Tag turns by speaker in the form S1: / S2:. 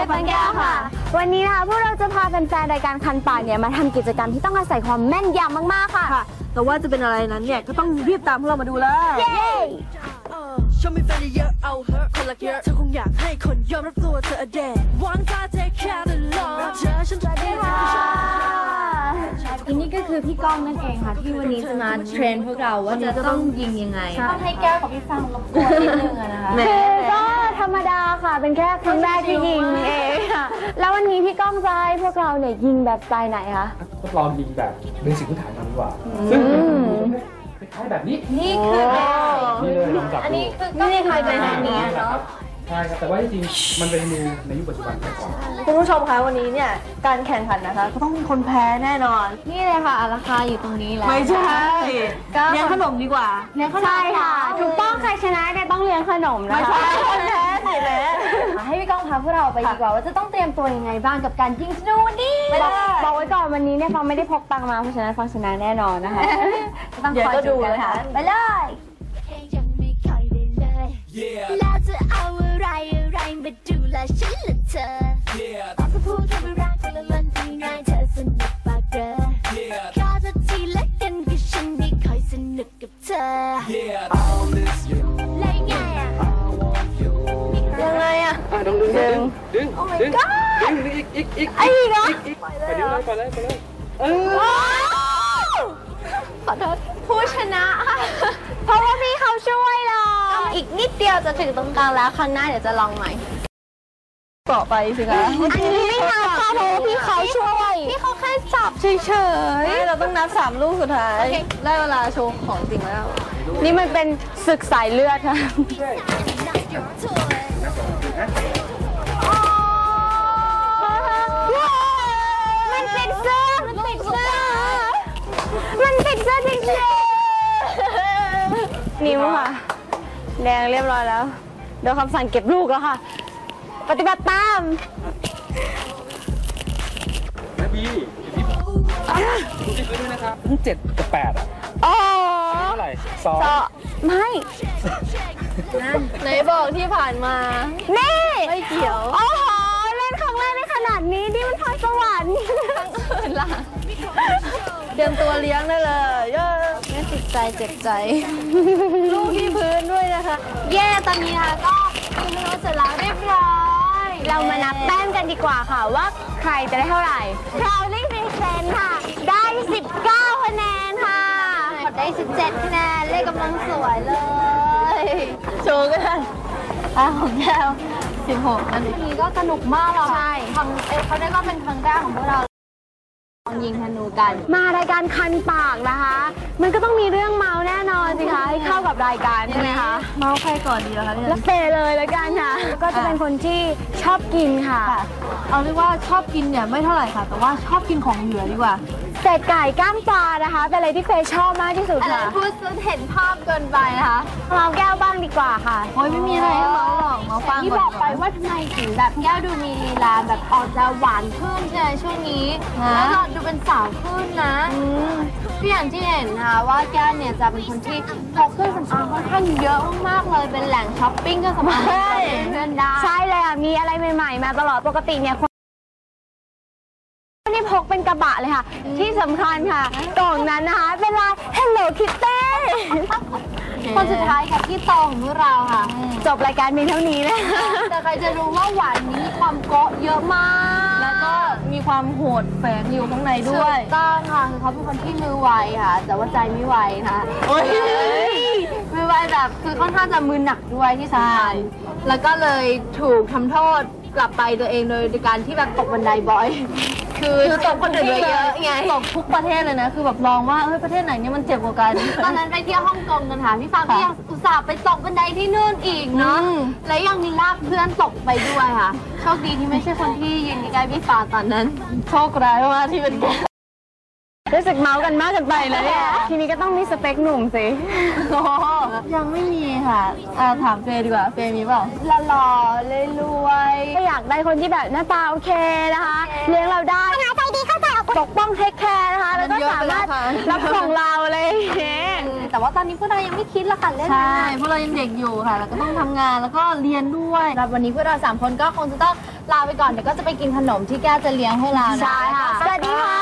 S1: ฟังแก้วค่ะวันนี้นะคะพวกเราจะพาแฟนๆรายการคันปากเนี่ยมาทำกิจกรรมที่ต้องอาศัยความแม่นยำมากๆค่ะ
S2: แต่ว่าจะเป็นอะไรนั้นเนี่ยก็ต้องรีบตามพวกเรามาดูเลย
S1: เย้
S3: ฉันมีแฟนเยอะเอาเหอะคนละเยอะเธอคงอยากให้คนยอมรับตัวเธอเด็ดหวังจะ take care ตลอดเธอฉันจะได้ค่ะ
S1: อันนี้ก็คือพี่ก้องนั่นเองค่ะที่วันนี้จะมาเทรนพวกเราว่าจะต้องยิงยังไง
S4: ต้องให้แก้วกับพี่ฟังรบกวนนิดนึงนะคะ
S1: คือก็ธรรมดาค่ะเป็นแค่ครั้งแรกที่ยิงเองค่ะแล้ววันนี้พี่ก้องจะให้พวกเราเนี่ยยิงแบบสไตล์ไหนคะ
S5: ทดลองยิงแบบเบสิกพื้นฐานกันดีกว่าซึ่งคล้ายแบบนี้
S4: นี่คือ
S5: นี่เลยลองจับดู
S4: อันนี้คือก็ไม่เคยเป็นแบบนี้เนาะ
S5: ใช่ครับแต่ว่าจริงๆมันเป็นมือในยุคปัจจุบันไปก่อน
S2: คุณผู้ชมคะวันนี้เนี่ยการแข่งขันนะคะก็ต้องมีคนแพ้แน่นอน
S4: นี่เลยค่ะราคาอยู่ตรงนี้แล้ว
S2: ไม่ใช่เลี้ยงขนมดีกว่า
S1: เลี้ยงขนมใช่ค่ะถูกต้องใครชนะเนี่ยต้องเลี้ยงขนมนะคะ
S2: ไม่ใช่คนแพ้สิแม่
S1: ให้พี่ก้องพาพวกเราไปดีกว่าว่าจะต้องเตรียมตัวยังไงบ้างกับการยิงธนูนี่บอกไว้ก่อนวันนี้เนี่ยฟังไม่ได้พกตังมาเพราะฉะนั้นฟังชนะแน่นอนนะคะ
S2: ต้องคอยดูนะคะ
S1: ไปเลย
S3: แล้วจะเอาอะไรมาดูแลฉันละเธอบอกจะพูดแค่ไม่รักคนละล้นที่ง่ายเธอสนุกปากเด้อขอจะทีละกันกับฉันไม่ค่อยสนุกกับเธอแล้วยังไง
S2: ยังไงอะ
S5: ดึงดึงอีก
S2: ไอ้เนาะ
S5: ไปเลย
S4: ขอโทษผู้ชนะค่ะเพราะว่าพี่เขาช่วยเราอีกนิดเดียวจะถึงตรงกลางแล้วครั้งหน้าเดี๋ยวจะลองใหม่
S2: ต่อไปสิคะ
S1: อันนี้ไม่ทำค่ะเพราะว่าพี่เขาช่วย
S4: พี่เขาแค่จับเฉย
S2: ๆเราต้องนับ3 ลูกสุดท้ายได้เวลาโชว์ของจริงแล้ว
S1: นี่มันเป็นศึกสายเลือดค่ะมันติดเสื้อจริงๆนิ้วค่ะแดงเรียบร้อยแล้วโดนคำสั่งเก็บลูกแล้วค่ะปฏิบัติตาม
S5: นะพี่ดูที่พื้นด้วยนะครับ7 กับ 8อ่ะ
S1: อ๋อ
S5: เท่าไหร่
S1: 2ไม่
S4: ไหนบอกที่ผ่านมา
S1: นี่
S4: ไม่เกี่ยว
S1: โอ้โหเล่นครั้งแรกในขนาดนี้นี่มันพรสวรรค์
S4: ทั้งอื่นล่ะ
S2: เตรียมตัวเลี้ยงได้เลย
S4: ไม่ติดใจเจ็บใจ
S2: ลูกที่พื้นด้วยนะคะ
S4: เย่ตอนนี้ค่ะก็คุณไม่รู้เสร็จแล้วเรียบร้อย
S1: เรามานับแต้มกันดีกว่าค่ะว่าใครจะได้เท่าไหร่เราเล่นเป็นเซนค่ะได้19คะแนนค่ะ
S4: ขอได้17คะแนนเลขกำลังสวยเลย
S2: โชว์ก็ได้
S4: ของแก้ว16อันนี้ก็สนุกมากเลยใช่เขาได้ก็เป็นครั้งแรกของพวกเรายิงธนูกัน
S1: มารายการคันปากนะคะมันก็ต้องมีเรื่องเมาแน่นอนสิคะให้เข้ากับรายการใช่ไหมคะ
S2: เมาใครก่อนดีล่ะคะเนี่ย
S1: แล้วเฟเลยแล้วกันค่ะก็จะเป็นคนที่ชอบกินค่ะ
S2: เอาเรียกว่าชอบกินเนี่ยไม่เท่าไหร่ค่ะแต่ว่าชอบกินของเหลือดีกว่า
S1: เศษไก่ก้างปลานะคะเป็นอะไรที่เฟยชอบมากที่สุดค่ะ
S4: พูดจนเห็นภาพเกินไปนะคะ
S1: เมาแก้วบ้างดีกว่าค่ะ
S2: โอ้ยไม่มีอะไรให้เมาหรอกเมาฟัง
S4: ที่บอกไปว่าทำไมถึงแบบแก้วดูมีลีลาแบบออกจะหวานขึ้นในช่วงนี้แล้วก็ดูเป็นสาวขึ้นนะก็อย่างที่เห็นนะคะว่าแก้วเนี่ยจะเป็นคนที่พกเครื่องสำอางค่อนข้างเยอะมากๆเลยเป็นแหล่งช้อปปิ้งเครื่องสำอางเพื่อนได้
S1: ใช่เลยอ่ะมีอะไรใหม่ๆมาตลอดปกติเนี่ยนี่พกเป็นกระบะเลยค่ะที่สำคัญค่ะกล่องนั้นนะคะเป็นลาย Hello Kitty
S4: คนสุดท้ายค่ะที่โตของพวกเราค่ะ
S1: จบรายการเพียงเท่านี้เลย
S4: แต่ใครจะรู้ว่าหวานนี้ความเกาะเยอะมาก
S2: แล้วก็มีความโหดแฝงอยู่ข้างในด้วย
S4: ต้องค่ะคือเขาเป็นคนที่มือไวค่ะแต่ว่าใจไม่ไวค่ะมือไวแบบคือค่อนข้างจะมือหนักด้วยที่สำคัญแล้วก็เลยถูกทำโทษกลับไปตัวเองโดยการที่แบบตกบันไดบ่อย
S2: คือตกคนอื่นเยอะไงตกทุกประเทศเลยนะคือแบบลองว่าประเทศไหนเนี่ยมันเจ็บกว่ากัน
S4: ตอนนั้นไปเที่ยวฮ่องกงกันค่ะพี่ฟังก็ยังอุตส่าห์ไปตกบันไดที่นู่นอีกเนาะและยังมีลากเพื่อนตกไปด้วยค่ะโชคดีที่ไม่ใช่คนที่ยืนใกล้พี่ฟ้าตอนนั้น
S2: โชคร้ายมากที่เป็นแก
S1: รู้สึกเมากันมากกันไปเลยเนี่ยทีนี้ก็ต้องมีสเปคหนุ่มสิ
S2: ยังไม่มีค่ะถามเฟย์ดีกว่าเฟย์มีเปล่า
S1: หล่อเลยรวยก็อยากได้คนที่แบบหน้าตาโอเคนะคะเลี้ยงเราได้ใจดีเข้าใจปกป้องเทคแคร์นะคะแล้วก็สามารถรับของเราเลย
S4: แต่ว่าตอนนี้พวกเรายังไม่คิดละค่ะเล่น
S2: ใช่พวกเรายังเด็กอยู่ค่ะแล้วก็ต้องทำงานแล้วก็เรียนด้วย
S4: วันนี้พวกเรา3 คนก็คงจะต้องลาไปก่อนเดี๋ยวก็จะไปกินขนมที่แก้วจะเลี้ยงให้เรานะ
S1: ใช่ค่ะ สวัสดีค่ะ